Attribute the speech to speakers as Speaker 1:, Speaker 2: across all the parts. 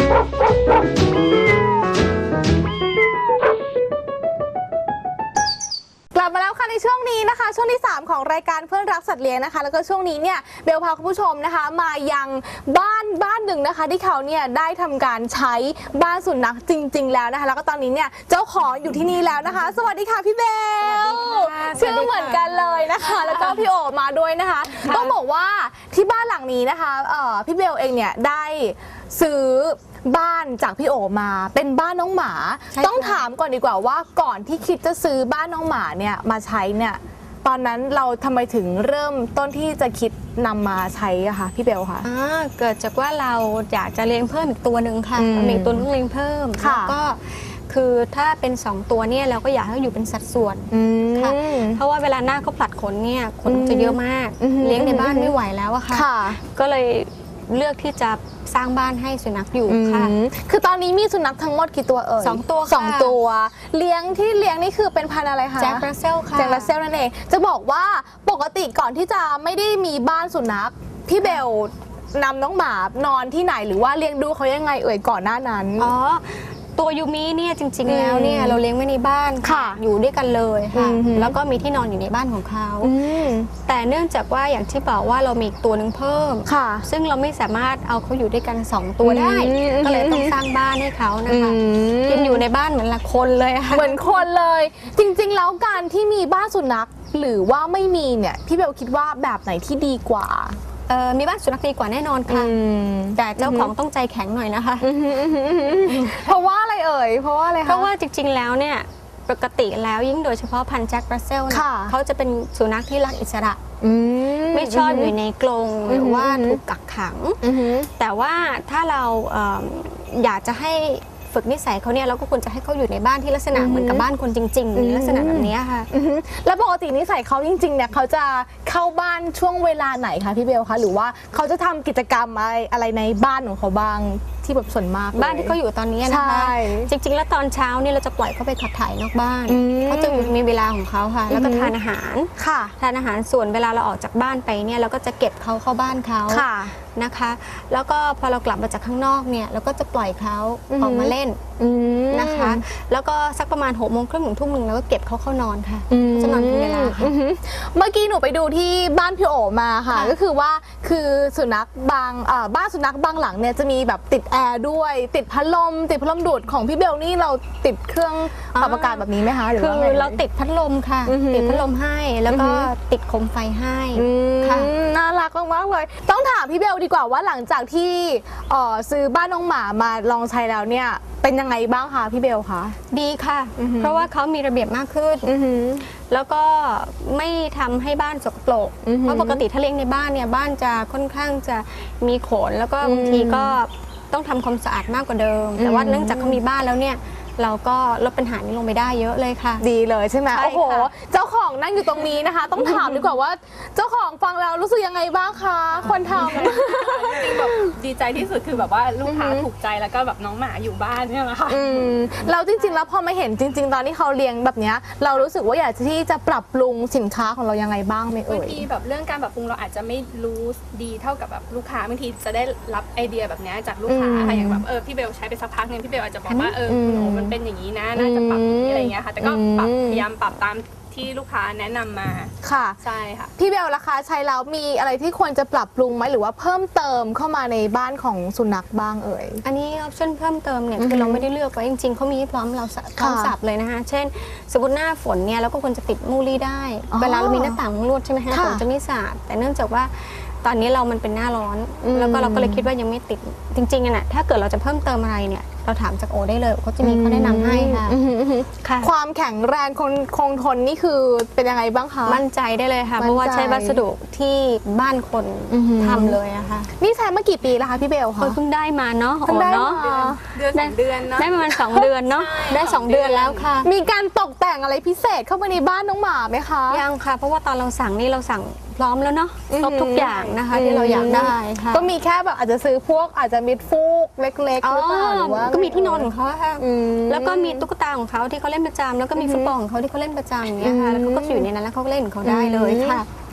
Speaker 1: กลับมาแล้วค่ะในช่วงนี้นะคะช่วงที่3ของรายการเพื่อนรักสัตว์เลี้ยงนะคะแล้วก็ช่วงนี้เนี่ยเบลพาคุณผู้ชมนะคะมายังบ้านหนึ่งนะคะที่เขาเนี่ยได้ทำการใช้บ้านสุนัขจริงๆแล้วนะคะแล้วก็ตอนนี้เนี่ยเจ้าของอยู่ที่นี่แล้วนะคะสวัสดีค่ะพี่เบลชื่อเหมือนกันเลยนะคะแล้วก็พี่โอมาด้วยนะคะต้องบอกว่าที่บ้านหลังนี้นะคะพี่เบลเองเนี่ยได้ซื้อบ้านจากพี่โอมาเป็นบ้านน้องหมาต้องถามก่อนดีกว่าว่าก่อนที่คิดจะซื้อบ้านน้องหมาเนี่ยมาใช้เนี่ยตอนนั้นเราทำไมถึงเริ่มต้นที่จะคิดนำมาใช้อะคะพี่เบลคะ
Speaker 2: เกิดจากว่าเราอยากจะเลี้ยงเพิ่มอีกตัวหนึ่งค่ะมีอีกตัวนึงเลี้ยงเพิ่มแล้วก็คือถ้าเป็น2ตัวเนี่ยเราก็อยากให้อยู่เป็นสัดส่วนค่ะเพราะว่าเวลาหน้าเขาผลัดขนเนี่ยขนจะเยอะมากเลี้ยงในบ้านไม่ไหวแล้วอะค่ะก็เลยเลือกที่จะสร้างบ้านให้สุนัขอยู่ค่ะ
Speaker 1: คือตอนนี้มีสุนัขทั้งหมดกี่ตัว
Speaker 2: 2 ตัว
Speaker 1: 2 ตัวเลี้ยงนี่คือเป็นพันธุ์อะไรคะ
Speaker 2: แจ็ครัสเซลค่ะ
Speaker 1: แจ็ครัสเซลนั่นเองจะบอกว่าปกติก่อนที่จะไม่ได้มีบ้านสุนัขพี่เบลนำน้องหมานอนที่ไหนหรือว่าเลี้ยงดูเขายังไงก่อนหน้านั้น
Speaker 2: ตัวยูมิเนี่ยจริงๆแล้วเนี่ยเราเลี้ยงไว้ในบ้านค่ะอยู่ด้วยกันเลยค่ะแล้วก็มีที่นอนอยู่ในบ้านของเขาแต่เนื่องจากว่าอย่างที่บอกว่าเรามีอีกตัวหนึ่งเพิ่มซึ่งเราไม่สามารถเอาเขาอยู่ด้วยกัน2 ตัวได้ก็เลยต้องสร้างบ้านให้เขานะคะยังอยู่ในบ้านเหมือนละคนเลยค่ะ
Speaker 1: เหมือนคนเลยจริงๆแล้วการที่มีบ้านสุนัขหรือว่าไม่มีเนี่ยพี่เบลคิดว่าแบบไหนที่ดีกว่า
Speaker 2: มีบ้านสุนัขดีกว่าแน่นอนค่ะแต่เจ้าของต้องใจแข็งหน่อยนะคะ
Speaker 1: เพราะว่าอะไรเพราะว่าอะไรคะ
Speaker 2: เพราะว่าจริงๆแล้วเนี่ยปกติแล้วยิ่งโดยเฉพาะพันธุ์แจ็ครัสเซลเขาจะเป็นสุนัขที่รักอิสระไม่ชอบอยู่ในกรงหรือว่าถูกกักขังแต่ว่าถ้าเราอยากจะให้ฝึกนิสัยเขาเนี่ยเราก็ควรจะให้เขาอยู่ในบ้านที่ลักษณะเหมือนกับบ้านคนจริงๆลักษณะแบบนี้ค่ะ
Speaker 1: แล้วปกตินิสัยเขาจริงๆเนี่ยเขาจะเข้าบ้านช่วงเวลาไหนคะพี่เบลคะหรือว่าเขาจะทำกิจกรรมอะไรในบ้านของเขาบ้างที่แบบส่วนมาก
Speaker 2: บ้านที่เขาอยู่ตอนนี้นะคะจริงๆแล้วตอนเช้าเนี่ยเราจะปล่อยเขาไปขับถ่ายนอกบ้านเขาจะมีเวลาของเขาค่ะแล้วก็ทานอาหารทานอาหารส่วนเวลาเราออกจากบ้านไปเนี่ยเราก็จะเก็บเขาเข้าบ้านเขานะคะแล้วก็พอเรากลับมาจากข้างนอกเนี่ยเราก็จะปล่อยเขาออกมาเล่นนะคะแล้วก็สักประมาณ6 โมงครึ่งถึง ทุ่ม แล้วก็เก็บเขาเข้านอนค่ะจะนอนเป็นเวลาค่ะ
Speaker 1: เมื่อกี้หนูไปดูที่บ้านพี่โอมาค่ะก็คือว่าคือสุนัขบ้านสุนัขบางหลังเนี่ยจะมีแบบติดแอร์ด้วยติดพัดลมดูดของพี่เบลนี่เราติดเครื่องปรับอากาศแบบนี้ไหมคะหรือว่า
Speaker 2: คือเราติดพัดลมค่ะติดพัดลมให้แล้วก็ติดโคมไฟให้ค่ะ
Speaker 1: น่ารักมากเลยต้องถามพี่เบลดีกว่าว่าหลังจากที่ซื้อบ้านน้องหมามาลองใช้แล้วเนี่ยเป็นยังไงบ้างคะพี่เบลคะ
Speaker 2: ดีค่ะเพราะว่าเขามีระเบียบมากขึ้นแล้วก็ไม่ทำให้บ้านสกปรกเพราะปกติถ้าเลี้ยงในบ้านเนี่ยบ้านจะค่อนข้างจะมีขนแล้วก็บางทีก็ต้องทำความสะอาดมากกว่าเดิมแต่ว่าเนื่องจากเขามีบ้านแล้วเนี่ยเราก็ลดปัญหานี้ลงไปได้เยอะเลยค่ะ
Speaker 1: ดีเลยใช่ไหมโอ้โหเจ้าของนั่งอยู่ตรงนี้นะคะต้องถามดีกว่าว่าเจ้าของฟังแล้วรู้สึกยังไงบ้างคะคนทำ
Speaker 3: จริงแบบดีใจที่สุดคือแบบว่าลูกค้าถูกใจแล้วก็แบบน้องหมาอยู่บ้านเนี่ยแหละค่ะ
Speaker 1: เราจริงๆแล้วพอมาเห็นจริงๆตอนที่เขาเลี้ยงแบบนี้เรารู้สึกว่าอยากที่จะปรับปรุงสินค้าของเรายังไงบ้างไหม
Speaker 3: บางทีแบบเรื่องการปรับปรุงเราอาจจะไม่รู้ดีเท่ากับแบบลูกค้าบางทีจะได้รับไอเดียแบบนี้จากลูกค้าค่ะอย่างแบบพี่เบลใช้ไปสักพักนึงพี่เบลอาจจะบอกว่าคุณโอมันเป็นอย่างนี้นะน่าจะปรับอย่างนี้อะไรเงี้ยค่ะแต่ก็พยายามปรับตามที่ลูกค้าแนะนำมา
Speaker 1: ค่ะ
Speaker 3: ใช่ค่ะ
Speaker 1: พี่เบลราคาใช้แล้วมีอะไรที่ควรจะปรับปรุงไหมหรือว่าเพิ่มเติมเข้ามาในบ้านของสุนัขบ้าง
Speaker 2: อันนี้ออปชั่นเพิ่มเติมเนี่ยคือเราไม่ได้เลือกไว้จริงๆเขามีพร้อมเราพร้อมสับเลยนะคะเช่นสมมติหน้าฝนเนี่ยเราก็ควรจะติดมูลี่ได้เวลาเรามีหน้าต่างมุ้งลวดใช่ไหมคะฝนจะไม่สาดแต่เนื่องจากว่าตอนนี้มันเป็นหน้าร้อนแล้วก็เราก็เลยคิดว่ายังไม่ติดจริงๆน่ะถ้าเกิดเราจะเพิ่มเติมอะไรเนี่ยเราถามจากโอได้เลยเขาจะมีเขาแนะนำให้ค่ะ
Speaker 1: ความแข็งแรงคงทนนี่คือเป็นยังไงบ้างคะ
Speaker 2: มั่นใจได้เลยค่ะเพราะว่าใช้วัสดุที่บ้านคนทำเลยอะค่ะ
Speaker 1: นี่ใช้มากี่ปีแล้วคะพี่เบลคะ
Speaker 2: เพิ่งได้มาเนาะ
Speaker 1: เนาะ
Speaker 3: เดือนเนาะ
Speaker 2: ได้ประมาณ2 เดือนเนาะได้2 เดือนแล้วค่ะ
Speaker 1: มีการตกแต่งอะไรพิเศษเข้ามาในบ้านน้องหมาไหมคะ
Speaker 2: ยังค่ะเพราะว่าตอนเราสั่งนี่เราสั่งพร้อมแล้วเนาะครบทุกอย่างนะคะที่เราอยากได้ค่ะ
Speaker 1: ก็มีแค่แบบอาจจะซื้อพวกอาจจะมิดฟูกเล็กๆหรือเปล่าหรือว่า
Speaker 2: ก็มีที่นอนของเขาค่ะแล้วก็มีตุ๊กตาของเขาที่เขาเล่นประจำแล้วก็มีฟุตบอลของเขาที่เขาเล่นประจำอย่างเงี้ยค่ะแล้วเขาก็อยู่ในนั้นแล้วเขาก็เล่นของเขาได้เลยค่ะ
Speaker 1: ใ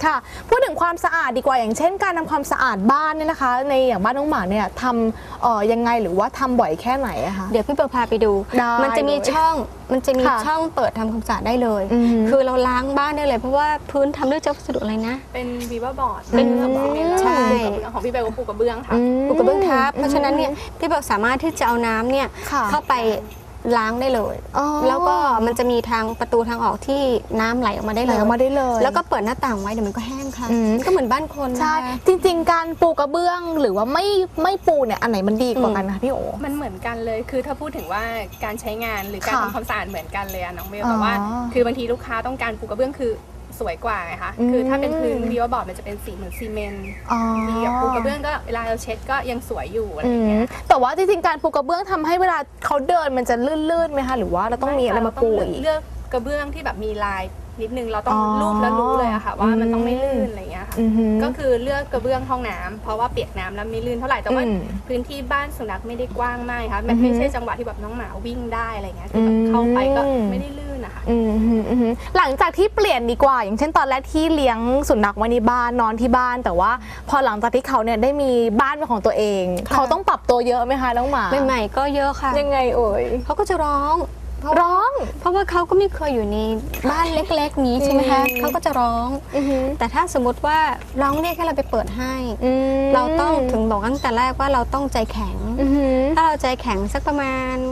Speaker 1: ค่ะพูดถึงความสะอาดดีกว่าอย่างเช่นการทำความสะอาดบ้านเนี่ยนะคะในอย่างบ้านน้องหมาเนี่ยทำยังไงหรือว่าทำบ่อยแค่ไหนอะคะ
Speaker 2: เดี๋ยวพี่เบลพาไปดู
Speaker 1: ได้
Speaker 2: มันจะมีช่อง
Speaker 1: ค่ะ
Speaker 2: ช่องเปิดทำความสะอาดได้เลย คือเราล้างบ้านได้เลยเพราะว่าพื้นทำด้วยวัสดุอะไรนะ
Speaker 3: เป็นวีบอร์ด
Speaker 2: เป็น
Speaker 3: ของซีเมนต์
Speaker 2: ใช่
Speaker 3: แล้วของพี่เบลก็ปูกระเบื้องค่ะ
Speaker 2: ปูกระเบื้องทับเพราะฉะนั้นเนี่ยพี่เบลสามารถที่จะเอาน้ำเนี่ย
Speaker 1: ค่ะ
Speaker 2: เข้าไปล้างได้เลย
Speaker 1: อ๋อ
Speaker 2: แล้วก็มันจะมีทางประตูทางออกที่น้ำไหลออกมาได้
Speaker 1: ไห
Speaker 2: เล
Speaker 1: ล
Speaker 2: ย
Speaker 1: ออกมาได้เลย
Speaker 2: แล้วก็เปิดหน้าต่างไว้เดี๋ยวมันก็แห้งค่ะ
Speaker 1: อืม
Speaker 2: ก็เหมือนบ้านคน
Speaker 1: ใช่
Speaker 2: นะคะ
Speaker 1: จริงๆ การปูกระเบื้องหรือว่าไม่ปูเนี่ยอันไหนมันดีกว่ากันคะพี่โอ
Speaker 3: มันเหมือนกันเลย คือถ้าพูดถึงว่าการใช้งานหรือการ
Speaker 1: ค่ะ
Speaker 3: ทำความสะอาดเหมือนกันเลยอะน้องเบล
Speaker 1: อ๋อ
Speaker 3: แต่ว่า คือบางทีลูกค้าต้องการปูกระเบื้องคือสวยกว่าไงคะ คือถ้าเป็นพื้นวีบอร์ดมันจะเป็นสีเหมือนซีเมนต์
Speaker 1: อ๋อ
Speaker 3: ดีกับปูกระเบื้องก็เวลาเราเช็ดก็ยังสวยอยู่อะไร
Speaker 1: อื
Speaker 3: อย่าง
Speaker 1: ม
Speaker 3: เงี้ย
Speaker 1: แต่ว่าจริงๆ การปูกระเบื้องทำให้เวลาเขาเดินมันจะลื่นๆไหมคะหรือว่าเราต้องมีอะไรมาปูอีก
Speaker 3: เลือกกระเบื้องที่แบบมีลายนิดนึงเราต้อง
Speaker 1: อ๋อ
Speaker 3: รูปแล้วรู้เลยอะค่ะว่ามันต้องไม่ลื่นอะไรอย่างเงี้ยค่ะ
Speaker 1: อือหือ
Speaker 3: ก็คือเลือกกระเบื้องห้องน้ำเพราะว่าเปียกน้ำแล้วไม่ลื่นเท่าไหร่แต่ว่า
Speaker 1: อืม
Speaker 3: พื้นที่บ้านสุนัขไม่ได้กว้างมากค่ะมันไม่ใช่จังหวะที่แบบน้องหมาวิ่งได้อะไรเงี้ยคือแบบเข้าไปก็ไม่ได้ลื่นนะคะ
Speaker 1: อืมอืมอืมหลังจากที่เปลี่ยนดีกว่า อย่างเช่นตอนแรกที่เลี้ยงสุนัขไว้ในบ้านนอนที่บ้าน แต่ว่าพอหลังจากที่เขาเนี่ยได้มีบ้านเป็นของตัวเอง
Speaker 2: ค่ะ
Speaker 1: เขาต้องปรับตัวเยอะไหมคะน้องหมา
Speaker 2: ใหม่ๆก็เยอะค่ะ
Speaker 1: ยังไงเอ่ย
Speaker 2: เขาก็จะร้อง
Speaker 1: ร้อง
Speaker 2: เพราะว่าเขาก็ไม่เคยอยู่ในบ้านเล็กๆนี้ใช่ไหมคะ
Speaker 1: อืม
Speaker 2: เขาก็จะร้อง
Speaker 1: อือหือ
Speaker 2: แต่ถ้าสมมติว่าร้องเรียกให้เราไปเปิดให้
Speaker 1: อืม
Speaker 2: เราต้องถึงบอกตั้งแต่แรกว่าเราต้องใจแข็ง
Speaker 1: อือหือ
Speaker 2: ถ้าเราใจแข็งสักประมาณ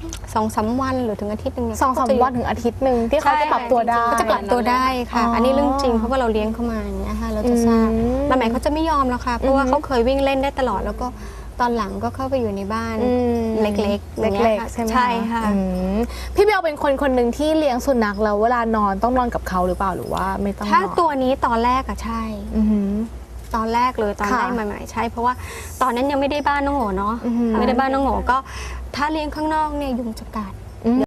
Speaker 2: 2-3 วันหรือถึงอาทิตย์หนึงเนี่ย
Speaker 1: 2-3 วันถึงอาทิตย์หนึ่งที่เขาจะปรับตัวได้
Speaker 2: เขาจะปรับตัวได้ค่ะ
Speaker 1: อ๋ออั
Speaker 2: อันนี้เรื่องจริงเพราะว่าเราเลี้ยงเขามาอย่างเงี้ยค่ะเราจะทราบ
Speaker 1: อืม
Speaker 2: บางแหมเขาจะไม่ยอมแล้วค่ะเพราะว่า
Speaker 1: อือฮึ
Speaker 2: เขาเคยวิ่งเล่นได้ตลอดแล้วก็ตอนหลังก็เข้าไปอยู่ในบ้าน
Speaker 1: อืม
Speaker 2: เล็กๆอย่างงี้ย
Speaker 1: เล็ก
Speaker 2: ค่ะ
Speaker 1: ๆใช่ไหม
Speaker 2: ใช่ค่ะ
Speaker 1: อืมพี่เบลเป็นคนหนึ่งที่เลี้ยงสุนัขแล้วเวลานอนต้องนอนกับเขาหรือเปล่าหรือว่าไม่ต้องนอน
Speaker 2: ถ้าตัวนี้ตอนแรกอะใช่
Speaker 1: อือหือ
Speaker 2: ตอนแรกเลยตอน
Speaker 1: ค่ะ
Speaker 2: ได้ใหม่ๆใช่เพราะว่าตอนนั้นยังไม่ได้บ้านน้องโหเนาะ
Speaker 1: อือหือ
Speaker 2: ไม่ได้บ้านน้องโหก็ถ้าเลี้ยงข้างนอกเนี่ยยุงจะกัด